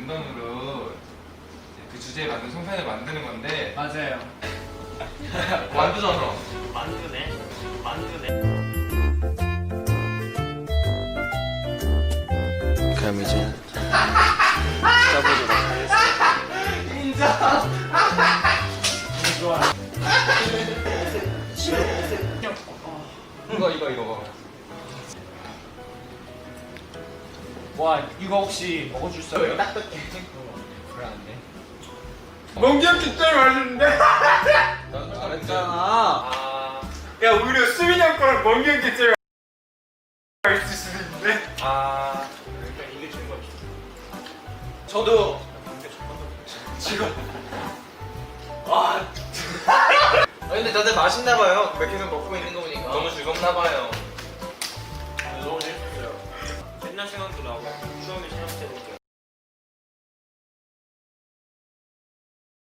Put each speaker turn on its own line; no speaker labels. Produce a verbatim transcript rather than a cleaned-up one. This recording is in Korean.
랜덤으로 그 주제에 맞는 송편을 만드는 건데
맞아요.
만두잖아.
만두네. 만두네.
그럼 이제 써보도록 하겠습니다.
인정.
좋아.
이거 이거 이거.
와 이거 혹시 먹어줄 수 있어요?
딱딱해.
불안한데.
멍게형 진짜 맛있는데?
넌 잘했잖아.
아,
야 오히려 수민이 형 거랑 멍게 게임이 맛있을 수도 있는데.
아.
그러니까 이게 제일 맛있어.
저도
지금.
아 근데 다들 맛있나 봐요. 계속 먹고 있는 거 보니까 너무 즐겁나 봐요.
너무 재밌었어요. 옛날 생각도 나고 추억이 생각.